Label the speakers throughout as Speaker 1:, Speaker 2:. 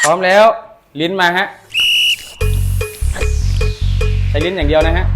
Speaker 1: พร้อมแล้วลิ้นมาฮะใช้ลิ้นอย่างเดียวนะฮะ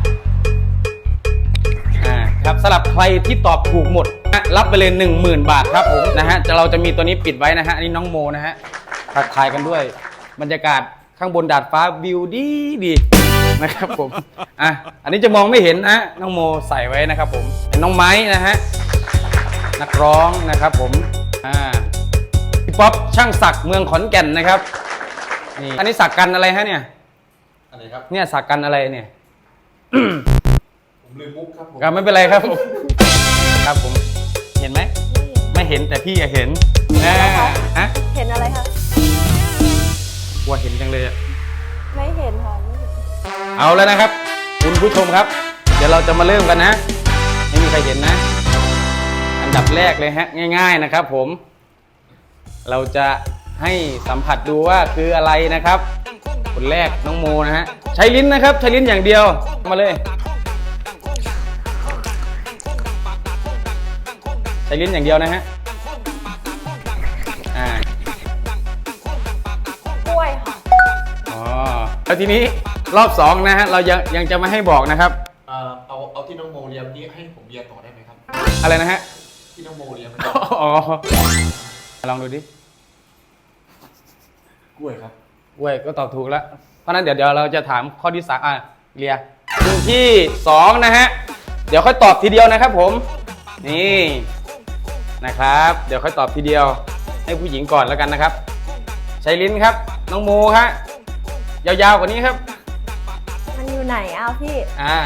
Speaker 1: ครับสำหรับใครที่ตอบถูกหมดรับไปเลย 10,000 บาทครับผมนะฮะเราจะมีตัวนี้ปิดไว้นะฮะอันนี้น้องโมนะฮะทักทายกันด้วยบรรยากาศข้างบนดาดฟ้าวิวดีนะครับผมอันนี้จะมองไม่เห็นนะน้องโมใส่ไว้นะครับผมเป็นน้องไม้นะฮะนักร้องนะครับผมพี่ป๊อปช่างศักดิ์เมืองขอนแก่นนะครับนี่อันนี้สักกันอะไรฮะเนี่ย
Speaker 2: อะไรครับ
Speaker 1: เนี่ยสักกันอะไรเนี่ย
Speaker 2: ผมลืมมุกครับผม
Speaker 1: ไม่เป็นไรครับผมครับผมเห็นไหมไม่เห็นแต่พี่เห็น
Speaker 3: เห็นอะไรคะ
Speaker 1: กลัวเห็นจังเลย
Speaker 3: ไม่เห็นค่ะไม่เห็น
Speaker 1: เอาแล้วนะครับคุณผู้ชมครับเดี๋ยวเราจะมาเริ่มกันนะไม่มีใครเห็นนะอันดับแรกเลยฮะง่ายๆนะครับผมเราจะให้สัมผัสดูว่าคืออะไรนะครับคนแรกน้องโมนะฮะใช้ลิ้นนะครับใช้ลิ้นอย่างเดียวมาเลยใช้ลิ้นอย่างเดียวนะฮะ
Speaker 3: กล้วยค่ะ
Speaker 1: แล้วทีนี้รอบ2นะฮะเรายังจะไม่ให้บอกนะครับ
Speaker 2: เอาที่น้องโมเรียมนี้ให้ผมเรียนต่อได้ไหมครับ
Speaker 1: อะไรนะฮะ
Speaker 2: ที่น้องโมเรียม
Speaker 1: ลองดูดิ
Speaker 2: กล้วยครับ
Speaker 1: กล้วยก็ตอบถูกแล้วเพราะนั้นเดี๋ยวเราจะถามข้อที่3เรียที่2นะฮะเดี๋ยวค่อยตอบทีเดียวนะครับผมนี่นะครับเดี๋ยวค่อยตอบทีเดียวให้ผู้หญิงก่อนแล้วกันนะครับใช้ลิ้นครับน้องโมฮะยาวๆกว่านี้ครับ
Speaker 3: มันอยู่ไหนพี่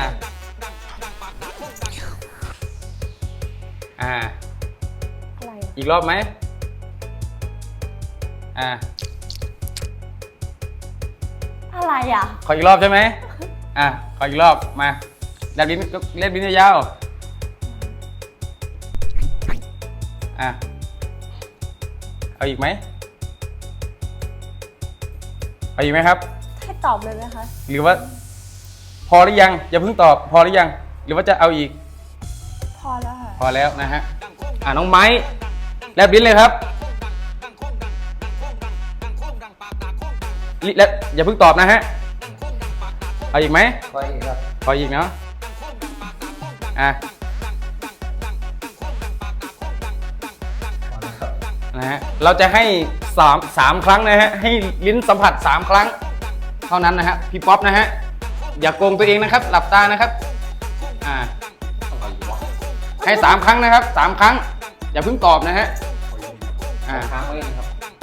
Speaker 3: อะไร
Speaker 1: อีกรอบไหม
Speaker 3: อะไร
Speaker 1: ขออีกรอบใช่ไหมขออีกรอบมาแลบลิ้นยาวเอาอีกไหมเอาอีกไหมครับ
Speaker 3: ให้ตอบเลยไหมคะ
Speaker 1: หรือว่าพอหรือยังอย่าเพิ่งตอบพอหรือยังหรือว่าจะเอาอีก
Speaker 3: พอแล้วค่ะ
Speaker 1: พอแล้วนะฮะน้องไม้แลบลิ้นเลยครับแล้วอย่าเพิ่งตอบนะฮะเอาอีกไหม
Speaker 2: ขออีกครับ
Speaker 1: ขออีกเนาะนะฮะเราจะให้3ครั้งนะฮะให้ลิ้นสัมผัส3ครั้งเท่านั้นนะฮะพี่ป๊อปนะฮะอย่าโกงตัวเองนะครับหลับตานะครับให้3ครั้งนะครับ3ครั้งอย่าเพิ่งตอบนะฮะ
Speaker 2: ค้างไว้นะครับ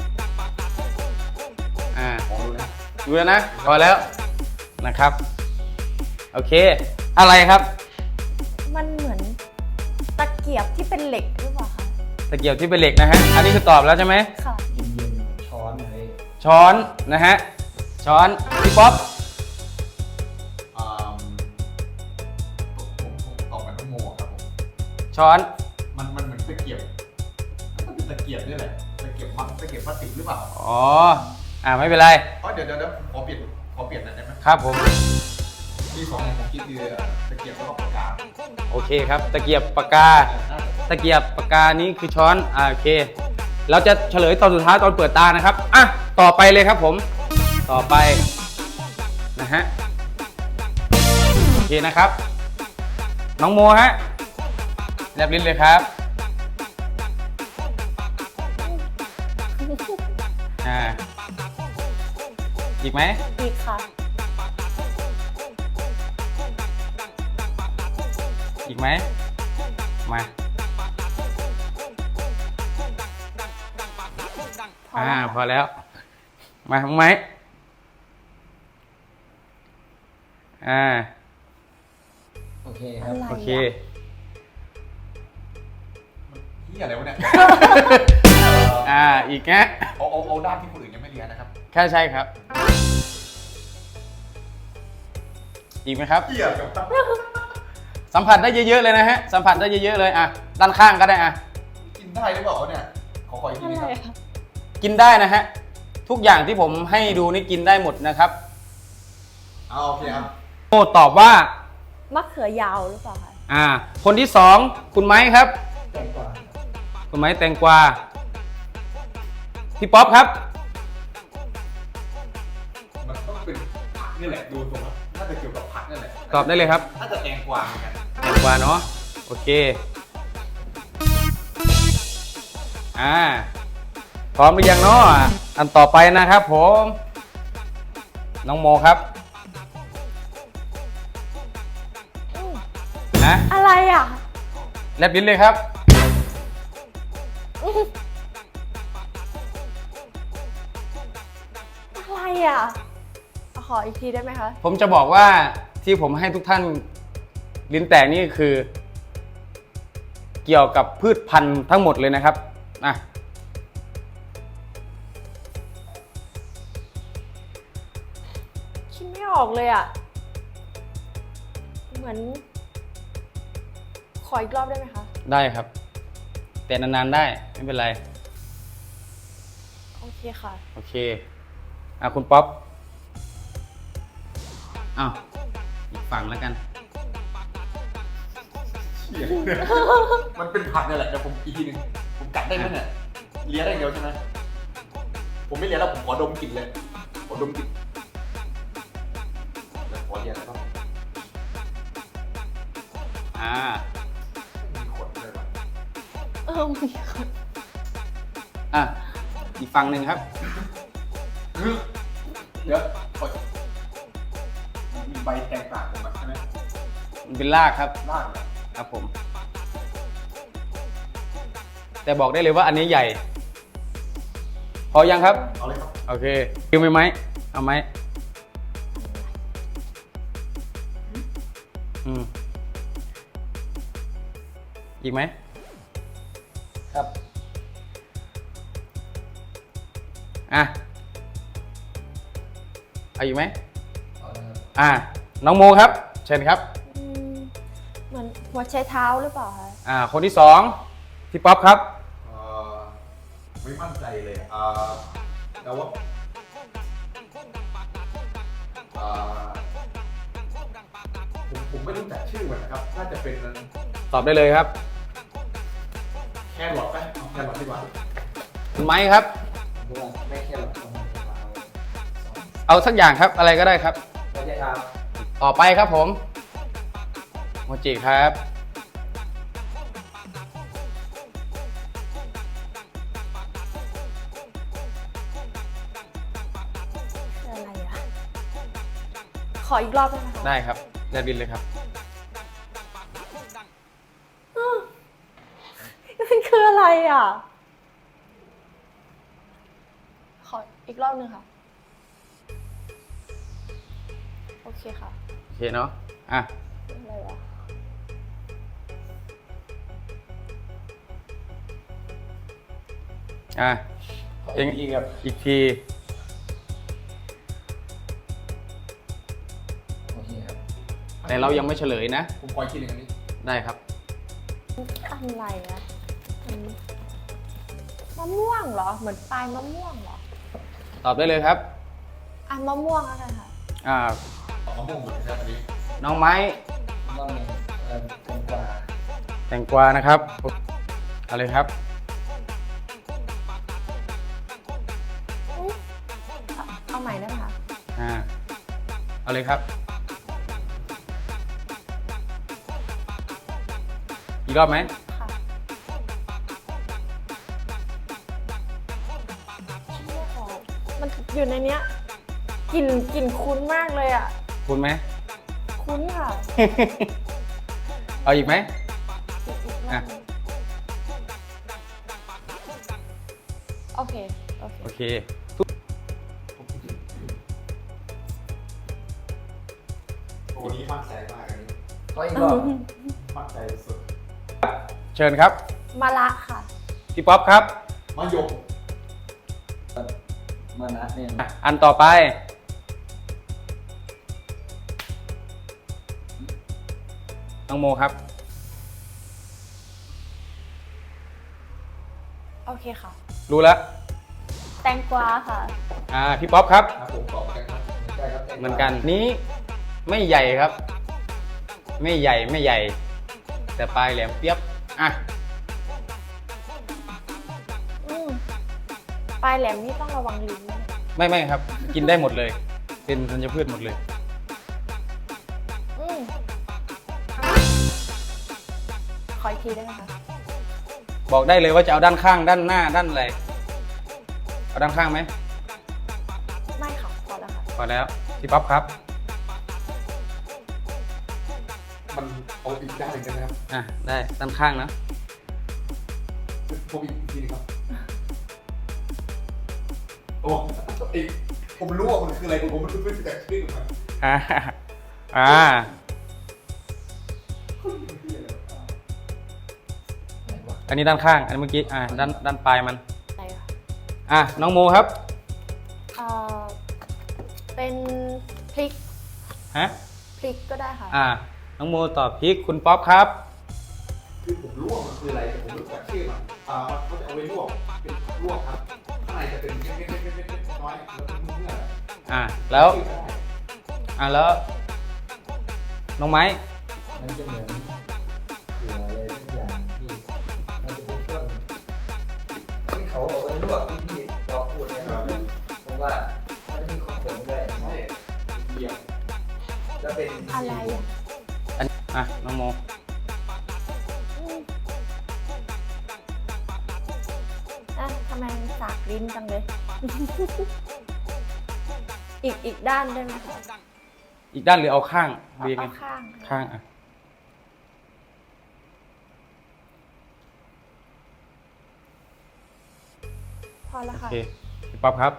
Speaker 1: ดูแล้วนะพอแล้วนะครับโอเคอะไรครับ
Speaker 3: มันเหมือนตะเกียบที่เป็นเหล็กหรือเปล่าคะ
Speaker 1: ตะเกียบที่เป็นเหล็กนะฮะอันนี้คือตอบแล้วใช่ไหม
Speaker 3: ค่ะ
Speaker 2: ช้อนอะไร
Speaker 1: ช้อนนะฮะช้อนพี่ป๊อป
Speaker 2: ตอบกับน้องโมครับผม
Speaker 1: ช้อน
Speaker 2: มันเหมือนตะเกียบมันเป็นตะเกียบนี่แหละตะเกียบพลาสติกหรือเปล่า
Speaker 1: ไม่เป็นไร
Speaker 2: เดี๋ยวขอเปลี่ยนหน่อยได้ไหม
Speaker 1: ครับผม
Speaker 2: ที่2ของผมคิดคือตะเกียบแล้วก็ปากกา
Speaker 1: โอเคครับตะเกียบปากกานี้คือช้อนโอเคเราจะเฉลยตอนสุดท้ายตอนเปิดตานะครับต่อไปเลยครับผมต่อไปนะฮะโอเคนะครับน้องโมฮะแลบลิ้นเลยครับอีกไหม
Speaker 3: อีกค่ะ
Speaker 1: อีกไหมมาพอแล้วมาทำไม
Speaker 2: โอเคครับ
Speaker 1: โอเค
Speaker 2: นี่อะไรวะเนี่ย
Speaker 1: อีกแง
Speaker 2: เอาด้านที่คนอื่นยังไม่เรียนนะครับ
Speaker 1: แค่ใช่ครับอีกไหมครับสัมผัสได้เยอะๆเลยนะฮะสัมผัสได้เยอะๆเลยด้านข้างก็ได้
Speaker 2: กินได้หรือเปล่าเนี่ยขออีกทีครับ
Speaker 1: กินได้นะฮะทุกอย่างที่ผมให้ดูนี่กินได้หมดนะครับ
Speaker 2: โอเคครับ
Speaker 1: โอ้ตอบว่าม
Speaker 3: ะเขือยาวหรือเปล่าคะ
Speaker 1: คนที่2คุณไม้ครับคุณไม้แตงกวาพี่ป๊อปครับ
Speaker 2: นี่แหละดูตรงนั้นน่าจะเกี่ยวกับผักนี่แหละ
Speaker 1: ตอบได้เลยครับ
Speaker 2: น่าจะแตงกวาเหมือนกัน
Speaker 1: แตงกวาเนาะโอเคพร้อมหรือยังเนาะอันต่อไปนะครับผมน้องโมครับนะ
Speaker 3: อะไรอ่ะ
Speaker 1: แลบลิ้นเลยครับ
Speaker 3: อะไรอ่ะ ขออีกทีได้ไหมคะ
Speaker 1: ผมจะบอกว่าที่ผมให้ทุกท่านลิ้นแตกนี่คือ เกี่ยวกับพืชพันธุ์ทั้งหมดเลยนะครับอ่ะ
Speaker 3: คิดไม่ออกเลยอ่ะ เหมือน ขออีกรอบได้ไหมคะ
Speaker 1: ได้ครับ แต่นานๆได้ไม่เป็นไร
Speaker 3: โอเคค่ะ
Speaker 1: โอเคคุณป๊อปอ้าวอีกฝั่งแล้วกัน
Speaker 2: มันเป็นผักนี่แหละเดี๋ยวผมอีกทีหนึงผมกัดได้ไหมเนี่ยเลียได้อย่างเดียวใช่ไหมผมไม่เลียแล้วผมขอดมกลิ่นเลยขอดมกลิ่นเดี๋ยวขอเลียแล้วก็มีขนเลยว่ะ
Speaker 3: มีคน
Speaker 1: อีกฝั่งหนึ่งครับ
Speaker 2: เดี๋ยวขอมีใบแตงต่างผมใช่ไหม
Speaker 1: มันเป็นรากครับ
Speaker 2: รากเหรอ
Speaker 1: ครับผม แต่บอกได้เลยว่าอันนี้ใหญ่ พอยังครับ
Speaker 2: เอาเลยครับ
Speaker 1: โอเคคิวไหมเอาไหมอีกไหมครับเอาอีกไหม
Speaker 2: เอาเลยครับ
Speaker 1: น้องโมครับ เชิญครับ
Speaker 3: เหมือนหัวใช้เท้าหรือเปล่าคะ
Speaker 1: คนที่สองพี่ป๊อปครับ
Speaker 2: ไม่มั่นใจเลยแต่ว่าผมไม่รู้จักชื่อมันนะครับ น่าจะเป็น
Speaker 1: ตอบได้เลยครับ
Speaker 2: แครอทไหมเอาแครอทดีกว่า
Speaker 1: คุณไม้ครับ
Speaker 2: ไม่แครอท
Speaker 1: เอาสักอย่างครับ อะไรก็ได้ครับ
Speaker 2: ไม่ใช่ครับ
Speaker 1: ต่อไปครับผมโมจิครับ
Speaker 3: คืออะไรอ่ะ ขออีกรอบได้ไหมคะ
Speaker 1: ได้ครับแลบลิ้นเลยครับ
Speaker 3: มันคืออะไรอ่ะ ขออีกรอบหนึ่งค่ะ โอเคค่ะ
Speaker 1: โอเคเนาะ
Speaker 3: อะไรวะ
Speaker 1: เองอีกที
Speaker 2: โอเคครับ
Speaker 1: แต่เรายังไม่เฉลยนะ
Speaker 2: ผมขออีกทีหนึ่งอันนี้
Speaker 1: ได้ครับ
Speaker 3: อะไรอ่ะมะม่วงเหรอ เหมือนปลายมะม่วงเหรอ
Speaker 1: ตอบได้เลยครับ
Speaker 3: มะม่วงแล้วกันค่ะ
Speaker 2: เอามะม่วงหมดเลยครับอันนี้
Speaker 1: น้องไม้
Speaker 2: ต้องมีแตงกวา
Speaker 1: แตงกวานะครับเอาเลยครับ
Speaker 3: เอาใหม่ได้ไหมคะ
Speaker 1: เอาเลยครับ อีกรอบไหม
Speaker 3: ค่ะมันอยู่ในเนี้ยกลิ่นคุ้นมากเลยอ่ะ
Speaker 1: คุณไหม
Speaker 3: คุ้นค่ะ
Speaker 1: เอาอีกไหม
Speaker 3: โอเค
Speaker 1: โอเค
Speaker 2: โอ้นี้มั่นใจมากอันนี้
Speaker 1: ก็อีกรอบ
Speaker 2: มั่นใจสุด
Speaker 1: เชิญครับ
Speaker 3: มะละค่ะ
Speaker 1: พี่ป๊อปครับ
Speaker 2: มะยม
Speaker 4: มานะเนี่ย
Speaker 1: อันต่อไป น้องโมครับ
Speaker 3: โอเคค่ะ
Speaker 1: รู้แล้ว
Speaker 3: แตงกวาค่ะ
Speaker 1: พี่ป๊อปครับ
Speaker 2: ครับผมตอบกันครับใช่ครับแตงกวา
Speaker 1: เหมือนกันนี้ไม่ใหญ่ครับ ไม่ใหญ่ แต่ปลายแหลมเปียบ
Speaker 3: ปลายแหลมนี่ต้องระวังลิ้นนะ
Speaker 1: ไม่ครับ กินได้หมดเลยเป็นธัญพืชหมดเลย
Speaker 3: อืมขออีกทีได้ไหมคะ
Speaker 1: บอกได้เลยว่าจะเอาด้านข้างด้านหน้าด้านอะไรเอาด้านข้างไหม
Speaker 3: ไม่ค่ะพอแล้วค่ะ
Speaker 1: พอแล้วพี่ป๊อปครับ
Speaker 2: มันเอาอีกด้านหนึ่งได้ไหมครับ
Speaker 1: อ่ะได้ด้านข้างนะ
Speaker 2: ผมอีกทีนึงครับโอ้อีกผมรู้ว่ามันคืออะไรผมไม่รู้จักชื่อมัน
Speaker 1: อ่าอ่าอันนี้ด้านข้างอันเมื่อกี้ด้านปลายมัน
Speaker 3: อะไรคะ
Speaker 1: อ่ะน้องโมครับ
Speaker 3: เอ่อเป็นพริก
Speaker 1: ฮะ
Speaker 3: พริกก็ได้ค่ะ
Speaker 1: น้องโมตอบพริกคุณป๊อปครับ
Speaker 2: คือผมรู้ว่ามันคืออะไรแต่ผมไม่รู้จักชื่อมันเขาจะเอาไว้ลวกเป็นลวกครับข้างในจะเป็นเม็ดๆๆๆน้อยแล้วเป็นเนื้อ
Speaker 1: แล้วแล้วน้องไม้
Speaker 4: มันจะเหมือนเกลืออะไรทุกอย่างที่มันจะเป็นเครื่องที่เขาเอาไว้ลวกที่เราพูดเนี่ยครับเพราะว่ามันจะมีของผมด้วย
Speaker 2: ใช่เยี่ยม
Speaker 4: จะเป็น
Speaker 3: อะไรอ่ะ
Speaker 1: น้องโม
Speaker 3: อืมอ่ะทำไมมันสากลิ้นจังเลย อีกด้านได้ไหมคะ
Speaker 1: อีกด้านหรือเอาข้างดีไง
Speaker 3: เอาข้างค่ะ
Speaker 1: ข้างอ่ะ
Speaker 3: พอแล้ว
Speaker 1: โอ
Speaker 3: ค่ะ
Speaker 1: เคพี่ป๊อปครับ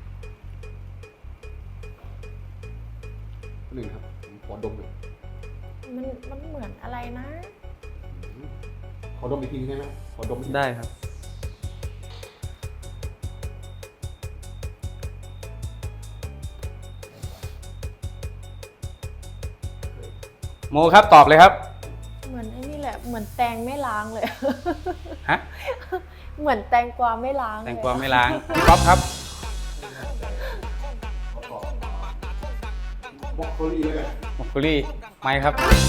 Speaker 2: หนึ่งครับผมขอดมหน่อย
Speaker 3: มันเหมือนอะไรนะ
Speaker 2: ขอดมอีกทีได้ไหมขอดมอีกที
Speaker 1: ได้ครับโมครับตอบเลยครับ
Speaker 3: เหมือนไอ้นี่แหละ เหมือนแตงไม่ล้างเลย
Speaker 1: ฮะ
Speaker 3: เหมือนแตงกวาไม่ล้าง
Speaker 1: แตงกวาไม่ล้างพี่ป๊อปครับ
Speaker 2: บล็อกโคลี่เลย
Speaker 1: มอกโกลี่ไม้ครับ
Speaker 4: มะเขือ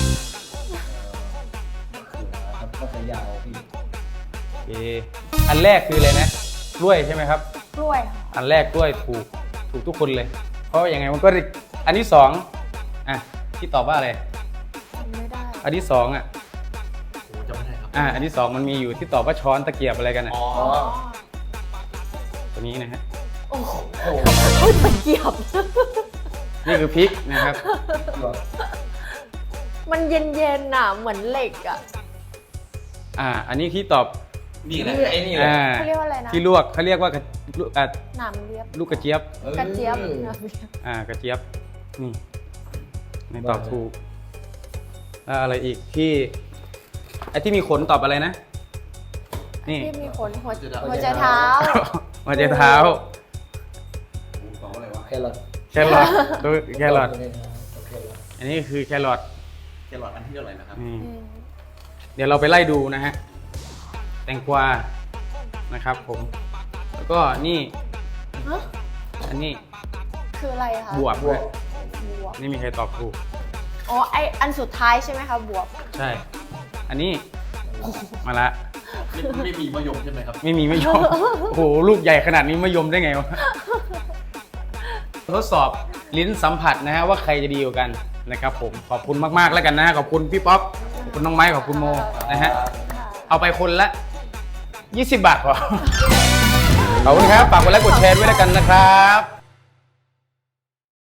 Speaker 4: ครับมะเขือยาวพี่
Speaker 1: โอเคอันแรกคืออะไรนะกล้วยใช่ไหมครับ
Speaker 3: กล้วยค่ะ
Speaker 1: อันแรกกล้วยถูกทุกคนเลย เพราะยังไงมันก็ได้อันที่สองที่ตอบว่าอะไร
Speaker 3: จำไม่ได้
Speaker 1: อันที่สอง
Speaker 2: โอ้จำไม่ได้ครับ
Speaker 1: อันที่สองมันมีอยู่ที่ตอบว่าช้อนตะเกียบอะไรกันอ่ะ
Speaker 2: อ๋อ
Speaker 3: อ๋อ
Speaker 1: ตัวนี้นะฮะ
Speaker 3: โอ้โห
Speaker 4: โอ้
Speaker 3: โอ้ยตะเกียบ
Speaker 1: นี่คือพริกนะครับ
Speaker 4: หยวก
Speaker 3: มันเย็นๆน่ะ เหมือนเหล็กอ่ะ
Speaker 1: อันนี้ที่ตอบ
Speaker 2: นี่แหละ
Speaker 4: ไอ้นี่แหละ
Speaker 3: เขาเรียกว่าอะไรนะ
Speaker 1: ที่ลวกเขาเรียกว่ากระ
Speaker 3: หนามเรียบ
Speaker 1: ลูกกระเจี๊ยบ
Speaker 3: กระเจี๊ยบหนามเรียบ
Speaker 1: กระเจี๊ยบนี่ไม่ตอบถูกแล้วอะไรอีกที่ไอ้ที่มีขนตอบอะไรนะ นี่
Speaker 3: ที่มีขนหัวใจเท้า
Speaker 1: หัวใจเท้า
Speaker 2: ผมตอบอะไรวะ
Speaker 4: แครอท
Speaker 1: แครอทดูแครอท
Speaker 4: แครอท
Speaker 1: อันนี้คือแครอท
Speaker 2: แครอทอันที่เท่าไหร่นะครับ
Speaker 1: นี่
Speaker 3: อืม
Speaker 1: เดี๋ยวเราไปไล่ดูนะฮะแตงกวานะครับผมแล้วก็นี่
Speaker 3: ฮะ
Speaker 1: อันนี้
Speaker 3: คืออะไรคะ
Speaker 1: บวบบ
Speaker 4: วก
Speaker 3: บวบ
Speaker 1: นี่มีใครตอบถูก
Speaker 3: อ๋อ อันสุดท้ายใช่ไหมคะ บวบ
Speaker 1: ใช่ อันนี้มาละ
Speaker 2: ไม่มีมะยมใช่ไหมครับ
Speaker 1: ไม่มีไม่ยอม โอ้โหลูกใหญ่ขนาดนี้ไม่ยอมได้ไงวะทดสอบลิ้นสัมผัสนะฮะว่าใครจะดีกว่ากันนะครับผมขอบคุณมากๆแล้วกันนะขอบคุณพี่ป๊อปขอบคุณน้องไม้ขอบคุณโมนะฮะ
Speaker 3: ค่ะ
Speaker 1: เอาไปคนละ 20 บาทพอ ขอบคุณครับ ฝากกดไลค์กดแชร์ด้วยแล้วกันนะครับ